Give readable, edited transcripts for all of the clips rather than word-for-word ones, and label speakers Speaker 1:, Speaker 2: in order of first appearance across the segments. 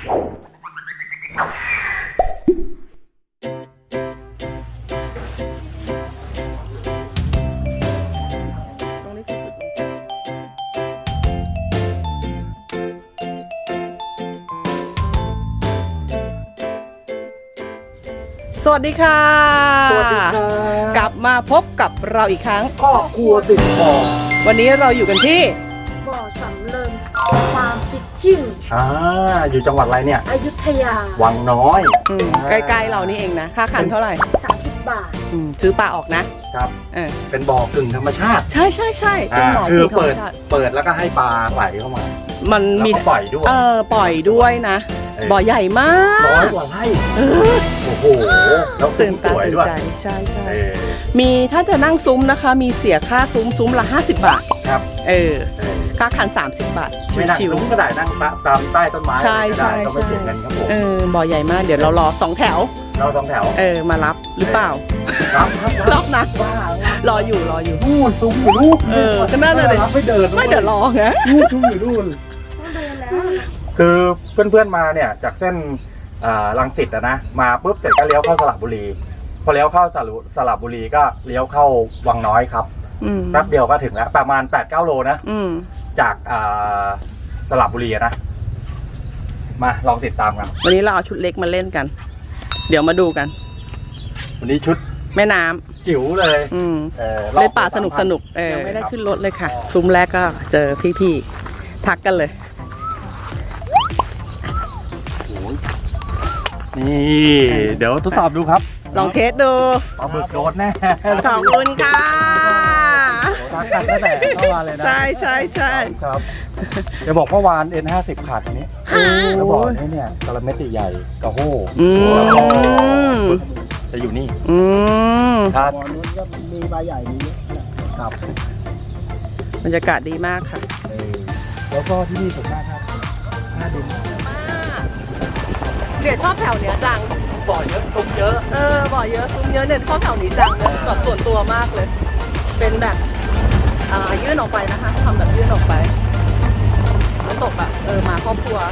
Speaker 1: สวัสดีค่ะ
Speaker 2: สวัสดีครับ
Speaker 1: กลับมาพบกับเราอีกครั้ง
Speaker 2: ครอบครัวติดบ่อ
Speaker 1: วันนี้เราอยู่กันที่
Speaker 3: บ่อสำเริงฟาร์มฟิชชิ่ง
Speaker 2: อยู่จังหวัดอะไรเนี่ย
Speaker 3: อยุธยา
Speaker 2: วังน้อย
Speaker 1: ใกล้ๆเรานี่เองนะค่าคันเท่าไหร่
Speaker 3: 30 บาท
Speaker 1: ซื้อปลาออกนะครับ
Speaker 2: เป็นบ่อกึ่งธรรมชาติ
Speaker 1: ใช่ใช่ใช่เป็นหมอ
Speaker 2: คือ
Speaker 1: ที่ธรรม
Speaker 2: เปิด
Speaker 1: ชาติ
Speaker 2: แล้วก็ให้ปลาไหลเข้ามา
Speaker 1: มัน
Speaker 2: แล้ว
Speaker 1: มี
Speaker 2: ก็ปล่อยด้วย
Speaker 1: ปล่อยด้วยนะ บ่อใหญ่มาก
Speaker 2: 100 กว่าไร่โอ้โหแล้ว
Speaker 1: ตื่น
Speaker 2: ส
Speaker 1: ตา
Speaker 2: วย
Speaker 1: ตื่น
Speaker 2: ด้วย
Speaker 1: ใจใช่ใช่
Speaker 2: เออ
Speaker 1: มีถ้าจะนั่งซุ้มนะคะ มีเสียค่าซุ้มละ50 บาท
Speaker 2: ครับ
Speaker 1: ค่าคัน30 บาท
Speaker 2: ไม่นั่ง
Speaker 1: ชิว
Speaker 2: ซุ้มก็ได้นั่งตามใต้ต้นไม้
Speaker 1: ใช่
Speaker 2: ก็ได้
Speaker 1: ใช่
Speaker 2: ก็ไม่เสียเงินครับผม
Speaker 1: ๆบ่อใหญ่มากเดี๋ยวเรารอ2 แถว
Speaker 2: เรา2 แถว
Speaker 1: มารับหรือเปล่า
Speaker 2: ครับ
Speaker 1: รับนะ
Speaker 2: ว้าร
Speaker 1: ออยู่
Speaker 2: นู่นซุ้มอยู่นู่น
Speaker 1: ก็น่าจะเลย
Speaker 2: ไม่เดิน
Speaker 1: ไม่เดี๋ยวรอไง
Speaker 2: นู่นซุ้มอยู่นู่น
Speaker 3: ต้องเดินแล้ว
Speaker 2: คือเพื่อนๆมาเนี่ยจากเส้นรังสิตนะมาปุ๊บเสร็จก็เลี้ยวเข้าสระบุรีพอเลี้ยวเข้าสระบุรีก็เลี้ยวเข้าวังน้อยครับแป๊บเดียวก็ถึงแล้วประมาณ 8-9 โลนะจากสระบุรีนะมาลองติดตามกัน
Speaker 1: วันนี้เราเอาชุดเล็กมาเล่นกัน เดี๋ยวมาดูกัน
Speaker 2: วันนี้ชุด
Speaker 1: แม่น้ำ
Speaker 2: จิ๋วเลย
Speaker 1: เล่นป่าสนุกยังไม่ได้ขึ้นรถเลยค่ะ ซุ้มแรกก็เจอพี่ๆทักกันเลย
Speaker 2: นี่เดี๋ยวทดสอบดูครับ
Speaker 1: ลองเทสดู
Speaker 2: ปลาบึกโดนแน่
Speaker 1: ขอบคุณค่ะ
Speaker 2: ทักกันตั้งแต่เข้ามาเลยนะ
Speaker 1: ใช่
Speaker 2: ครับจะบอกเมื่อวาน N50 ขาดอันนี้แล้วบอกนี่เนี่ยกระเม็ดใหญ่กระโห้แล้วก็จะอยู่นี่ครับนู้นก็มีใบใหญ่นี้ครับ
Speaker 1: บรรยากาศดีมากค่ะ
Speaker 2: แล้วก็ที่นี่สวยมากครับหน้าดิน
Speaker 1: เดี๋ยวชอบแถวเนี้ยจัง
Speaker 2: บ่อเยอะตุ้มเยอะ
Speaker 1: บ่อเยอะซุ้มเยอะเนี่ยชอบแถวนี้จังเลยส่วนตัวมากเลย เป็นแบบยื่นออกไปนะคะทำแบบยื่นออกไปแล้วตกแบบมาครอบครัว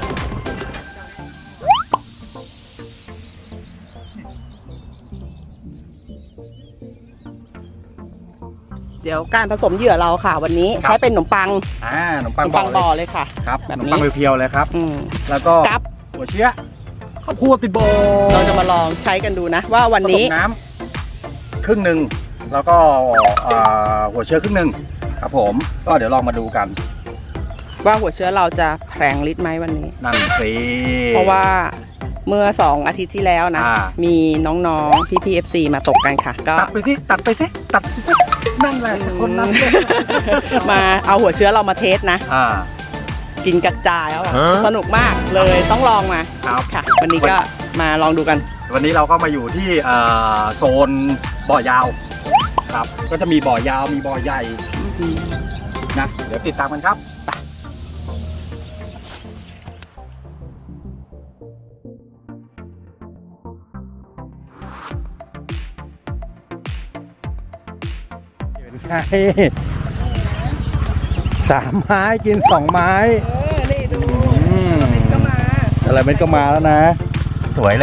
Speaker 1: เดี๋ยวการผสมเหยื่อเราค่ะ วันนี้ใช้เป็นขนมปัง
Speaker 2: ขนมปัง
Speaker 1: บ่อเลยค่ะ
Speaker 2: ครับ
Speaker 1: แบบ
Speaker 2: ขนม
Speaker 1: นี้
Speaker 2: ปังเพียวๆเลยครับแล้วก็
Speaker 1: กับ
Speaker 2: หัวเชื้อข้าวคั่วติดโบ
Speaker 1: เราจะมาลองใช้กันดูนะ ว่าวันนี้
Speaker 2: ผสมน้ำครึ่งหนึ่งแล้วก็หัวเชื้อครึ่งหนึ่งครับผมก็เดี๋ยวลองมาดูกัน
Speaker 1: ว่าหัวเชื้อเราจะแผลงฤทธิ์ไหมวันนี้
Speaker 2: นั่นสิ
Speaker 1: เพราะว่าเมื่อ2 อาทิตย์ที่แล้วนะ มีน้องๆพี่ๆ FC มาตกกันค่ะ ก็
Speaker 2: ตัดไปสินั่นแหละคนนั้น
Speaker 1: มาเอาหัวเชื้อเรามาเทสนะ กินกระจายแล้วสนุกมากเลยต้องลองมา
Speaker 2: ครับ
Speaker 1: ค่ะ วันนี้ก็มาลองดูกัน
Speaker 2: วันนี้เราก็มาอยู่ที่โซนบ่อยาวครับก็จะมีบ่อยาวมีบ่อใหญ่นะเดี๋ยวติดตามกันครับเป็นไง3 ไม้กิน 2 ไม้
Speaker 1: นี่ดูก็มา
Speaker 2: อะไรเม็ดก็มาแล้วนะ สวยเลย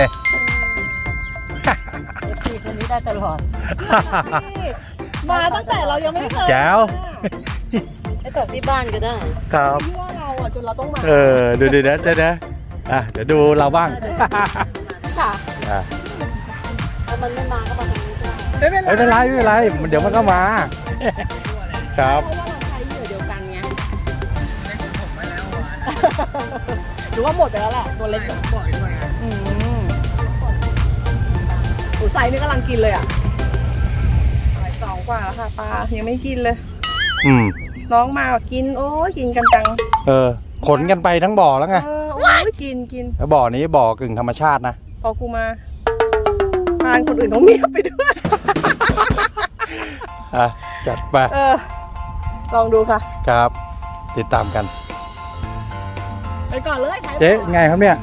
Speaker 3: FC คนนี้ได้ตลอด
Speaker 1: มาตั้งแต่เรายังไม่เคย
Speaker 2: แจ๋ว
Speaker 3: ไปตกที่บ้านก็ได้
Speaker 2: ครับ
Speaker 1: ที่ว่าเราจนเราต้องมา
Speaker 2: ดูนะเดี๋ยวดูเราบ้าง
Speaker 1: ค่ะ
Speaker 3: ถ้ามันไม่มาก็มาทางนี้ได้
Speaker 1: ไม่เป็นไร
Speaker 2: ไม่เป็นไรเดี๋ยวมันก็มา ครับ
Speaker 1: เพราะว่าเราใช้เหยื่อเดียวกันไงหรือว่าหมดไปแล้วแหละตัวเล็กบ่อยด้วยไซนี่กำลังกินเลยอ่ะ2 กว่าแล้วค่ะปลายังไม่กินเลย น้องมากินโอ้ยกินกันจัง
Speaker 2: ขนกันไปทั้งบ่อแล้วไง
Speaker 1: โอ้ยกิน
Speaker 2: แล้วบ่อนี้บ่อกึ่งธรรมชาตินะ
Speaker 1: พอกูมาทานคนอื่นเขาเมียไปด้วย
Speaker 2: จัดไป
Speaker 1: ลองดูค่ะ
Speaker 2: ครับ ติดตามกัน
Speaker 1: ไปก่อนเลย
Speaker 2: เจ๊ไงครับเนี่ย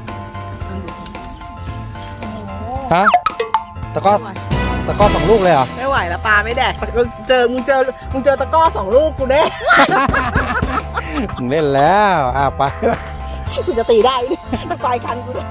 Speaker 2: ฮะตะก้อ2 ลูกเลยเหรอ
Speaker 1: ไม่ไหวแล้วปลาไม่แดกมึงเจอตะก้อ2 ลูกกูแน่
Speaker 2: มึงเล่นแล้วไป
Speaker 1: กูจะตีได้ดิปลายคันกูเลย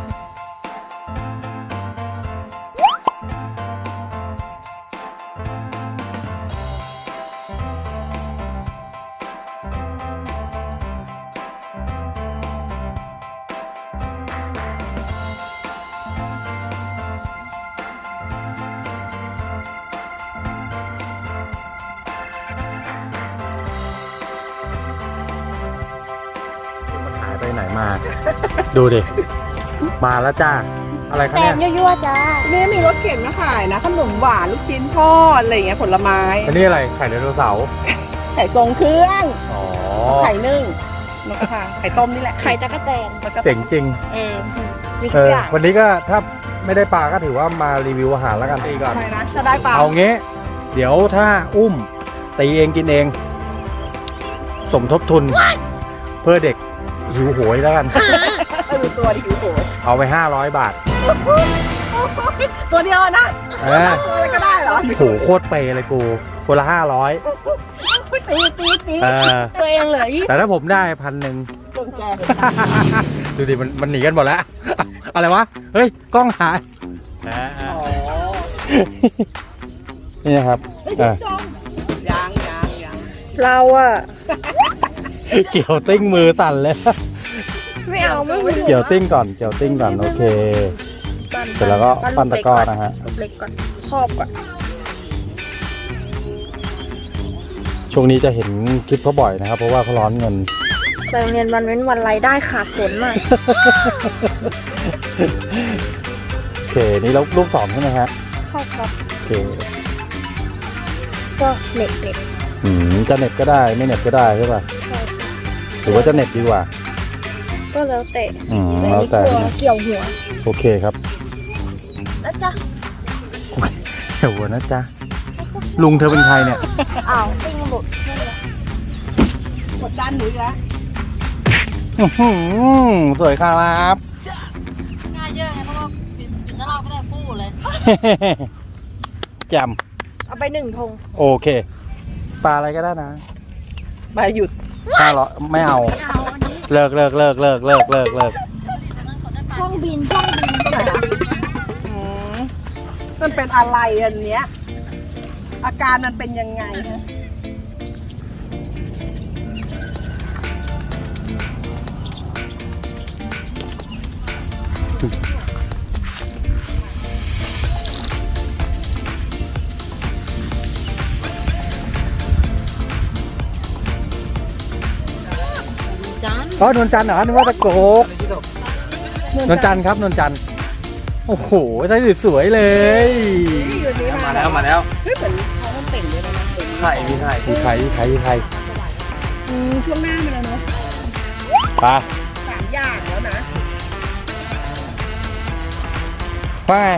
Speaker 2: มันหายไปไหนมา ดูดิ มาแล้วจ้า อะไรคะ
Speaker 3: แต่
Speaker 2: เนี่ย
Speaker 3: ยั่วๆจ้า
Speaker 1: นี่มีรถเข็นมาขายนะขนมหวานลูกชิ้นทอดอะไรอย่างเงี้ยผลไม้
Speaker 2: อันนี้อะไร ไข่ไดโนเสาร์
Speaker 1: ไข่ทรงเครื่อง
Speaker 2: อ๋อ
Speaker 1: ไข่นึ่งนกกระทาไข่ต้มนี่แหละ
Speaker 3: ไข่ตะกะแตน
Speaker 1: แล้วก็
Speaker 2: เจ๋งจริง
Speaker 1: มี
Speaker 2: เอ
Speaker 1: ทุก
Speaker 2: อ
Speaker 1: อย่าง
Speaker 2: วันนี้ก็ถ้าไม่ได้ปลาก็ถือว่ามารีวิวอาหารแล้วกันตีก่อน
Speaker 1: ทำไมนะจะได้เปล่า
Speaker 2: เอางี้ เดี๋ยวถ้าอุ้มตีเองกินเอง สมทบทุน เพื่อเด็กหิวโหยแล้วกัน
Speaker 1: ดูตัวดิหิวโหย
Speaker 2: เอาไป500 บาท
Speaker 1: ตัวเดียวอะนะ
Speaker 2: เออ
Speaker 1: ตัวอะไรก็ได้เหรอ
Speaker 2: โหโคตรเปย์เลยกูคนละ500
Speaker 1: ตี
Speaker 2: เออ
Speaker 3: ตัวเองเหลือยี่
Speaker 2: แต่ถ้าผมได้1,000
Speaker 1: ตรงแก
Speaker 2: ดูดิมันหนีกันหมดแล้ว อะไรวะ เฮ้ย กล้องหาย
Speaker 1: อ๋อ
Speaker 2: นี่นะครับ
Speaker 1: จงยังเราอะ
Speaker 2: เกี่ยวติ้งมือสั่นเลย
Speaker 3: ไม่เอาไม่
Speaker 2: เกี่ยวติ้งก่อน เกี่ยวติ้งก่อน โอเค เสร็จแล้วก็ปั้นตะกร้อนะฮะ
Speaker 3: เล็กก่อนครอบก่อน
Speaker 2: ช่วงนี้จะเห็นคลิปเขาบ่อยนะครับ เพราะว่าเขาร้อนเงิน
Speaker 3: ไปโรงเรียนวันเว้นวันรายได้ขาดผลมาก
Speaker 2: โอเค นี่ลูกสองใช่ไหมฮะ
Speaker 3: เข้าครับ
Speaker 2: โอเค
Speaker 3: ก็เน็ต
Speaker 2: จะเน็ตก็ได้ ไม่เน็ตก็ได้ใช่ป่ะ หรือว่าจะเน็ตดีกว่า
Speaker 3: ก็แล้วแต่
Speaker 2: แล้วแต่
Speaker 3: เกี่ยวหัว
Speaker 2: โอเคครับ
Speaker 3: แล้วจ้ะ
Speaker 2: เดี๋ยวนะจ๊ะ ลุงเธอเป็นใครเนี่ย
Speaker 3: อ้าวติ้งหลุดนั่นแหละ
Speaker 1: กดดันหนูอีกแล้ว
Speaker 2: อื้อหือสวยครับ
Speaker 3: ง่ายเยอะไงเพราะว่าปิดตลาดไม่ได้ปู้เลย
Speaker 2: แจม
Speaker 3: เอาไป1 ธง
Speaker 2: โอเค ปลาอะไรก็ได้นะ
Speaker 1: ใบหยุด
Speaker 2: 500ไม่เอา
Speaker 3: เอาอันนี้
Speaker 2: เลิก
Speaker 3: ช่องบิน
Speaker 1: มันเป็นอะไรอันเนี้ย อาการมันเป็นยังไงฮะ
Speaker 2: อ๋อนวลจันทร์เหรอนึกว่าตะโกกนวลจันทร์ครับนวลจันทร์โอ้โหใช้สวยๆเลย
Speaker 1: อยู่นี้
Speaker 2: มาแล้ว
Speaker 1: เฮ้ยเหมือนเขามันเป่งเลยนะเป่ง
Speaker 2: ไข่มีไข่
Speaker 1: ช่วงหน้ามันแล้วเนาะ
Speaker 2: ปลา
Speaker 1: 3 อย่างแล้วนะ
Speaker 2: ว่าไง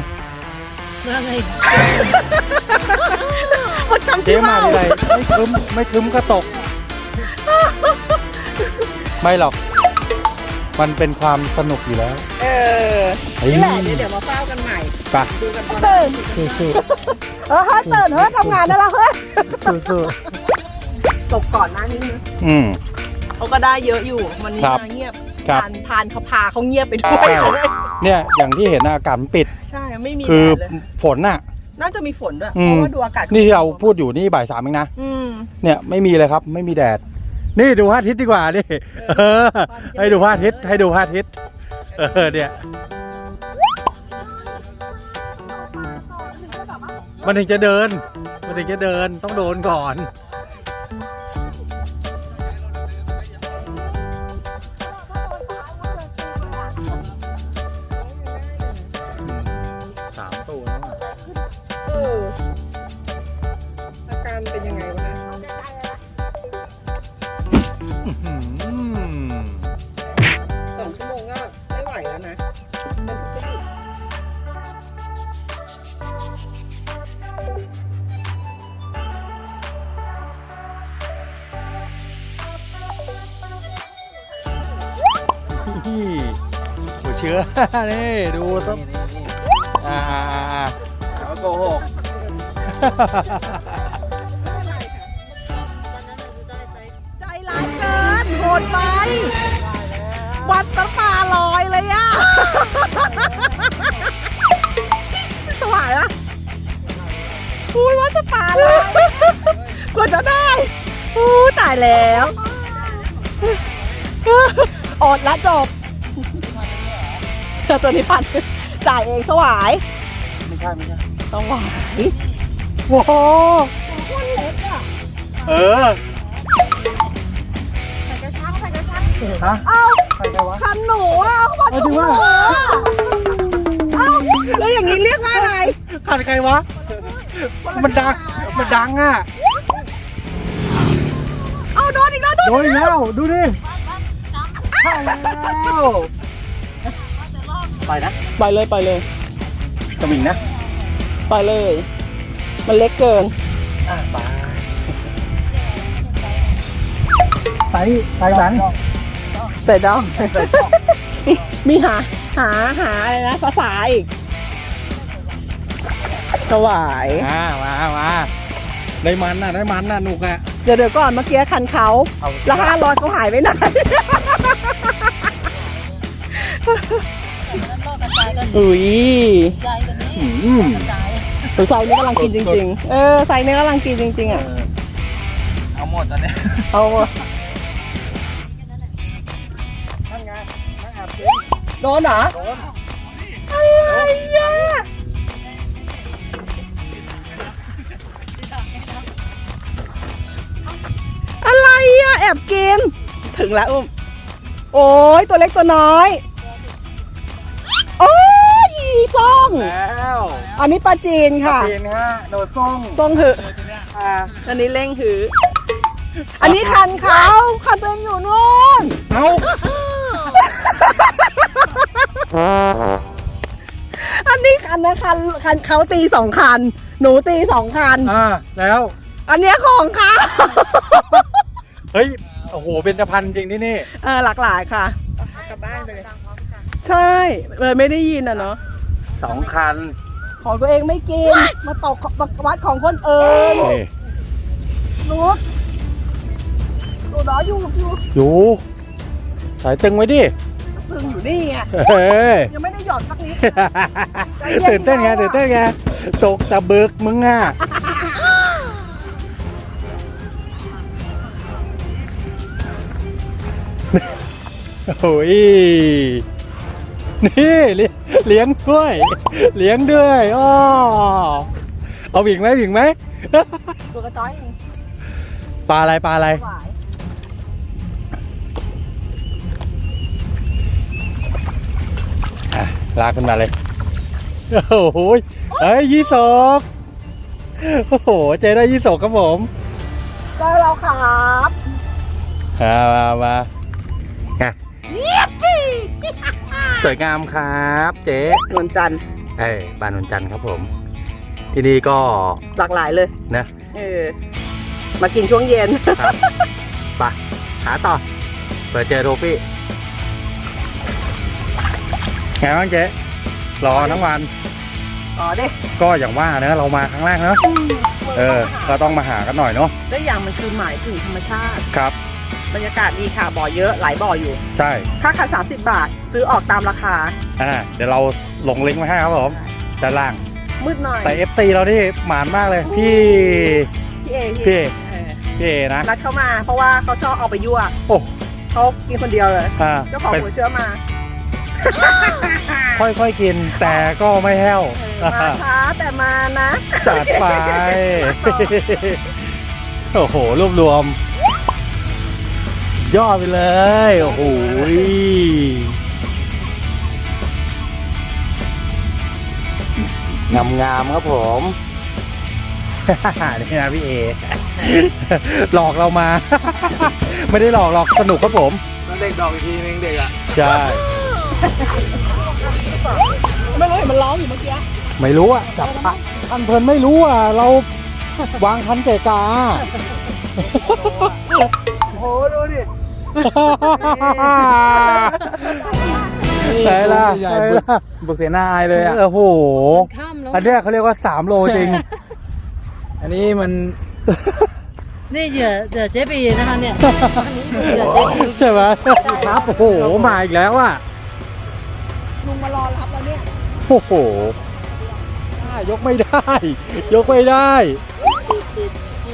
Speaker 1: มันทำ
Speaker 2: เจ๊
Speaker 1: ที่
Speaker 2: มา
Speaker 1: เมา
Speaker 2: ทีไรไม่คึ้มก็ตก ไม่หรอก มันเป็นความสนุกอยู่แล้ว
Speaker 1: นี่แหละเดี๋ยวมาเฝ้ากันใหม่
Speaker 2: ไป
Speaker 1: ดูกันตอนตื่น
Speaker 2: สู้
Speaker 1: เฮ้ยตื่นเฮ้ยทำงานได้แล้วเฮ้ย
Speaker 2: ๆสู้
Speaker 1: ตกก่อนหน้านี้นึง
Speaker 2: ๆอืม
Speaker 1: เขาก็ได้เยอะอยู่วันนี้
Speaker 2: ครับ
Speaker 1: มาเงียบ
Speaker 2: ครับ
Speaker 1: พานเขาพาเขาเงียบไปด้วย
Speaker 2: ใช่ เนี่ยอย่างที่เห็นอากาศมันปิด
Speaker 1: ใช่ไม่มี
Speaker 2: คือ
Speaker 1: แดดเลย
Speaker 2: ฝนน่ะ
Speaker 1: น่าจะมีฝนด้วย
Speaker 2: อื
Speaker 1: เพ
Speaker 2: ม
Speaker 1: ราะว่าดูอากาศ
Speaker 2: นี่ที่เราพูดอยู่นี่บ่าย 3เองนะ
Speaker 1: อืม
Speaker 2: เนี่ยไม่มีเลยครับ ไม่มีแดด นี่ดูพระอาทิตย์ดีกว่าดิให้ดูพระอาทิตย์เนี่ย มันถึงจะเดินต้องโดนก่อน 3 ตัวแล้ว
Speaker 1: อาการเป็นยังไงวะ2 ชั่วโมงก็ไม่ไหวแล้วนะมันทุกข์
Speaker 2: หัวเชื้อ นี่ดูต้องแล้วโกหก
Speaker 1: ใจร้ายเกินโหดไปวัดน้ำปลาลอยเลยอะสวายอะอุ้ยวัดน้ำปลาลอยกว่าจะได้อู้ตายแล้วอดละจบตัวนี้ปั่นจ่ายเองสวาย
Speaker 2: ไม่ใช่ไม่ใช่
Speaker 1: สวายโว้โหคนเล็กอะ
Speaker 2: เออ
Speaker 3: ใส่กระชังใส่กระชัง
Speaker 2: ฮะ
Speaker 1: เอ้า
Speaker 2: ใครใครวะ
Speaker 1: คันหนูอะคันหนูอะเอ้าแล้วอย่างนี้เรียกว่าอะไร
Speaker 2: ขันใครวะ มันดังอ่ะ
Speaker 1: เอาโดนอีกแล้ว
Speaker 2: โดนอีกแล้วดูดิเข้าแล้วไปนะ
Speaker 1: ไปเลยไปเลย
Speaker 2: สมิงนะ
Speaker 1: ไปเลย มันเล็กเกิน
Speaker 2: ไปสัน
Speaker 1: แต่ดองมีหาอะไรนะภาษาอีกสวาย
Speaker 2: มาได้มันน่ะหนุกอ่ะ
Speaker 1: เดี๋ยวก่อนเมื่อกี้คันเขา
Speaker 2: เอา
Speaker 1: แล้ว500เขาหายไปไหน อุ้ย ไซส์นี้กำลังกินจริงๆไซส์นี้กำลังกินจริงๆอ่ะ
Speaker 2: เอาหมดตอนนี้
Speaker 1: เอา
Speaker 2: นั่นไงนั่งแอบกิน
Speaker 1: โดนเหรอ
Speaker 2: โดน
Speaker 1: อะไรอ่ะอะไรอ่ะแอบกิน ถึงแล้วอุ้มโอ้ยตัวเล็กตัวน้อย โอ้ยอีส้ง
Speaker 2: แล้ว
Speaker 1: อันนี้ปลาจีนค่ะ
Speaker 2: จีนฮะโดดส่ง
Speaker 1: ส้งหืออันนี้เล่งหือ อันนี้คันเขาคันตัวเองอยู่นู่น
Speaker 2: เอา
Speaker 1: อันนี้คันนะคันเขาตี2 คัน หนูตี2 คัน
Speaker 2: แล้ว
Speaker 1: อันเนี้ยของเขา
Speaker 2: เฮ้ยโอ้โหเป็นจะพันจริงที่นี่
Speaker 1: หลากหลายค่ะ
Speaker 3: กลับบ้านไปเลย
Speaker 1: ใช่ไม่ได้ยินอ่ะเนาะ
Speaker 2: 2 คัน
Speaker 1: ของตัวเองไม่กิน มาตกวัดของคนอื่นหนูน้อยอยู่
Speaker 2: สายตึงไว้ดิ
Speaker 1: ตึงอยู่นี่ไง
Speaker 2: เฮ้ย
Speaker 1: ยังไม่ได้หย่อนสักนิด
Speaker 2: ตื่นเต้นไงตกตะบึกมึงอ่ะโอ้ยนี่เลี้ยงด้วยอ้อเอาหวิงไหม
Speaker 1: ตัวกระจ้อยเอง
Speaker 2: ปลาอะไร
Speaker 1: หวาย
Speaker 2: ลากขึ้นมาเลยโอ้โหเฮ้ยยี่สกโอ้โหเจได้ยี่สกครับผม
Speaker 1: เจอเราครับ
Speaker 2: มาสวยงามครับเจ๊
Speaker 1: นวลจันทร์
Speaker 2: บ้านนนจันทร์ครับผม ที่นี่ก็
Speaker 1: หลากหลายเลย
Speaker 2: นะ
Speaker 1: มากินช่วงเย็น
Speaker 2: ครับไปหาต่อเปิดเจอโทฟี่ไงบ้างเจ๊รอทั้งวัน
Speaker 1: อ๋อเด้
Speaker 2: ก็อย่างว่านะเรามาครั้งแรกเนอะก็ต้องมาหากันหน่อยเนาะ
Speaker 1: ได้อย่างมันคือหมายถึงธรรมชาติ
Speaker 2: ครับ
Speaker 1: บรรยากาศดีค่ะบ่อเยอะหลายบ่ออยู่
Speaker 2: ใช่
Speaker 1: ค่าขัน30 บาท ซื้อออกตามราคา
Speaker 2: เดี๋ยวเราลงลิงก์ไว้ให้ครับผมด้านล่าง
Speaker 1: มืดหน่อย
Speaker 2: แต่ FC เราที่หมานมากเลยพี่
Speaker 1: พี่เอ
Speaker 2: นะ
Speaker 1: นัดเข้ามาเพราะว่าเขาชอบเอาไปยั่ว
Speaker 2: โอ้
Speaker 1: เขากินคนเดียวเลย เจ้าของ
Speaker 2: เป็น
Speaker 1: หัวเชื้อมา
Speaker 2: ค่อยๆกินแต่ก็ไม่แห้ว
Speaker 1: มาช้าแต่มานะ
Speaker 2: จัดไป โอ้โหรวบรวม ย่อไปเลย โอ้โหงามๆครับผม นี่นะพี่เอ หลอกเรามา ไม่ได้หลอกสนุกครับผม
Speaker 4: นั่นเด็กดอกอีกทีนึงเด็กอ่ะ
Speaker 2: ใช่
Speaker 1: ไม่รู้เห็นมันร้องอยู่เมื่อกี้
Speaker 2: ไม่รู้อ่ะจับพันเพลินไม่รู้อ่ะ เราวางคันเกะกา
Speaker 4: โอ้โหดูดิ
Speaker 2: ไหนล่ะ
Speaker 4: ใหญ่บุกเสียหน้าอายเลยอ่ะ
Speaker 2: โอ้โห
Speaker 3: ข้ามแล้ว
Speaker 2: อันเนี้ยเขาเรียกว่า3 โลจริง
Speaker 4: อันนี้มัน
Speaker 3: นี่เหยื่อเจ๊บีนะคะเนี่ยอันนี้เหยื่อเจ๊บี
Speaker 2: ใช่ไหมครับโอ้โหมาอีกแล้วอ่ะ
Speaker 1: ลุงมารอรับแล้วเนี่ย
Speaker 2: โอ้โหยกไม่ได้ ยกไม่ได้
Speaker 3: ติด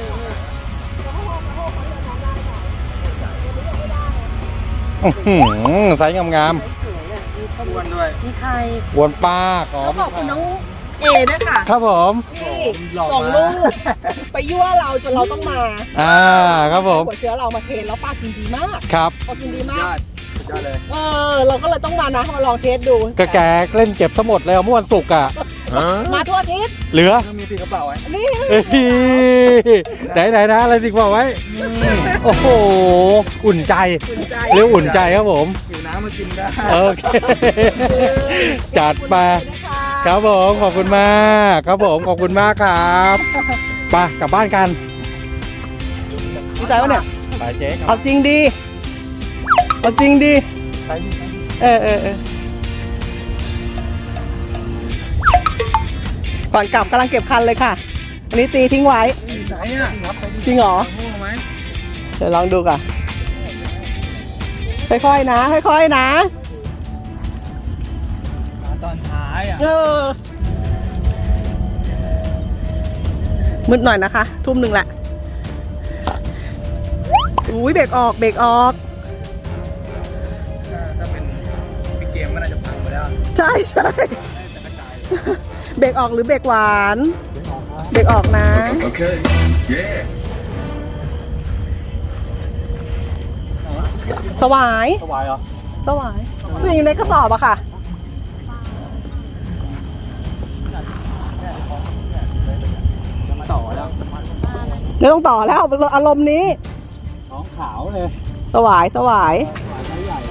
Speaker 2: ไซส์งาม
Speaker 4: อ้วนด้วย
Speaker 3: มีใคร
Speaker 2: ๆวนปลาขอ
Speaker 1: ต้องขอบคุณน้องเอด้วยค่ะ
Speaker 2: ครับผม
Speaker 1: ที่
Speaker 4: หลอกมา
Speaker 1: ส่งลูกไปยั่วเราจนเราต้องมา
Speaker 2: ครับผม
Speaker 1: หัวเชื้อเรามาเทรนแล้วปลากินดีมาก
Speaker 2: ครับ
Speaker 1: ปลากินดี
Speaker 4: ย
Speaker 1: มาก
Speaker 4: อดสุดยอดเลย
Speaker 1: เราก็เลยต้องมานะมาลองเทสดู
Speaker 2: ก็แกเล่นเก็บทั้งหมดเลยเมื่อวันศุกร์อ่ะ
Speaker 1: มาทั่วอาทิศ
Speaker 2: เหลือ
Speaker 4: ต้องมีติดกระเป๋าไว้
Speaker 1: นี่
Speaker 2: เอ้ยไหนนะอะไรสิบอกไว้โอ้โหอุ่นใจ
Speaker 1: อุ่นใจ
Speaker 2: เรียกอุ่นใจครับผม
Speaker 4: หิวน้ำมากินได้
Speaker 2: โอเค จัดไป
Speaker 1: ขอบคุณนะคะ
Speaker 2: ครับผมขอบคุณมากครับผมขอบคุณมากครับไปกลับบ้านกัน
Speaker 1: ดีใจวะเนี่ย
Speaker 2: ไปเจ๊ครับ
Speaker 1: เอาจริงดีเอาจริงดี เออก่อนกลับกำลังเก็บคันเลยค่ะ อันนี้ตีทิ้งไว้
Speaker 4: ไหนอ่ะ
Speaker 1: จริงเหรอ
Speaker 4: งูไหม
Speaker 1: เดี๋ยวลองดูก่อนค่อยๆนะค่อยๆนะ
Speaker 4: มาตอนท้ายอ่ะ
Speaker 1: มืดหน่อยนะคะ ทุ่มหนึ่งแหละอุ้ยเบรกออกเบรกออก
Speaker 4: ถ้าเป็นพี่เกมก็น่าจะพังไปแล้ว
Speaker 1: ใช่ใช่
Speaker 4: แต่กระจาย
Speaker 1: เบรกออกหรือเบรกหวาน เบรกออกนะ
Speaker 5: โอเค เย้
Speaker 1: สวาย
Speaker 2: สบายเหรอ
Speaker 1: สวายตัวอยู่ในกระสอบอะค่ะ
Speaker 4: ต่อแล้ว
Speaker 1: ไม่ต้องต่อแล้วอารมณ์นี้
Speaker 2: ท้องขาวเลย
Speaker 1: สวายสวาย
Speaker 2: ไซส์ใหญ่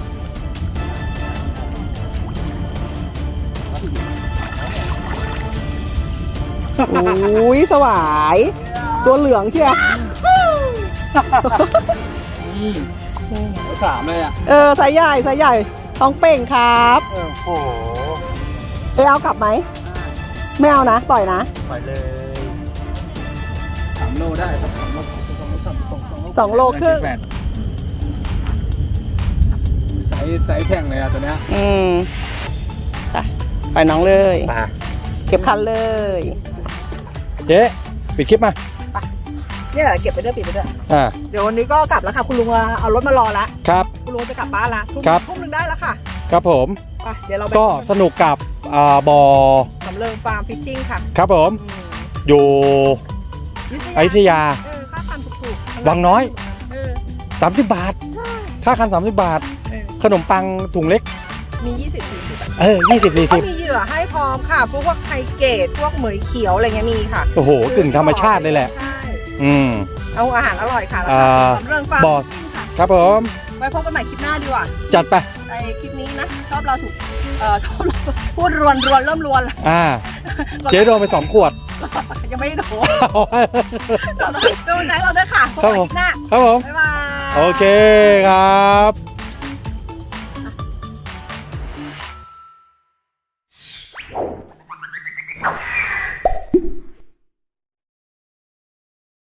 Speaker 1: อุ้ยสวาย ตัวเหลืองเชียว
Speaker 2: นี่สามเลยอ่ะ
Speaker 1: ไซส์ใหญ่ไซส์ใหญ่ท้องเป่งครับ
Speaker 2: โอ้โห
Speaker 1: เอากลับไหม ไม่เอานะ ปล่อยนะ
Speaker 2: ไปเลย
Speaker 4: 3 โลได้ครับ3 โล
Speaker 1: 2 โลครึ่ง
Speaker 4: ไซส์แข่งเลยอ่ะตัวเนี้ย
Speaker 1: ไปน้องเลย
Speaker 2: มา
Speaker 1: เก็บคันเลย
Speaker 2: เจ๊ปิดคลิปมา
Speaker 1: เนี่ยเก็บไปด้วยปิดไปด้วย
Speaker 2: อ่า
Speaker 1: เดี๋ยววันนี้ก็กลับแล้วค่ะ คุณลุงเอารถมารอแล้ว
Speaker 2: ครับ
Speaker 1: คุณลุงจะกลับบ้านละทุ่ม
Speaker 2: ครับ
Speaker 1: ทุ่มหนึ่งได้แล้วค่ะ
Speaker 2: ครับผม
Speaker 1: ไปเดี๋ยวเราไป
Speaker 2: ก็สนุกกับบอ
Speaker 1: สำเริงฟาร์มฟิชชิ่งค่ะ
Speaker 2: ครับผม อยู่อยุธยา
Speaker 1: ค่าคันถูกๆ
Speaker 2: วังน้อย
Speaker 1: เออ
Speaker 2: 30 บาท ค่าคัน 30 บาท ขนมปังถุงเล็ก
Speaker 1: มี20-40
Speaker 2: 20
Speaker 1: ก็
Speaker 2: 40
Speaker 1: มีเหยื่อให้พร้อมค่ะ พวกไข่เกตพวกเหมยเขียวอะไรเงี้ยมีค่ะ
Speaker 2: โอ้โหกึ่งธรรมชาติเลยแหละ
Speaker 1: ใช่
Speaker 2: อืม
Speaker 1: เอาอาหารอร่อยค่ะแล้ว
Speaker 2: อ่า
Speaker 1: ก็สำเริงฟาร์ม
Speaker 2: บอส
Speaker 1: ฟิชชิ่งค่ะ
Speaker 2: ครับผม
Speaker 1: ไว้พบกันใหม่คลิปหน้าดีกว่า
Speaker 2: จัดไป
Speaker 1: ในคลิปนี้นะชอบเราถูกชอบเราพูดรวนเริ่มรวนแล้ว
Speaker 2: เจ๊โดนไป 2 ขวด
Speaker 1: ยังไม่ได้โดนโดนใจเราด้วยค่ะพบกันใหม่คลิปหน้า
Speaker 2: ครับผม
Speaker 1: บ๊ายบาย
Speaker 2: โอเคครับ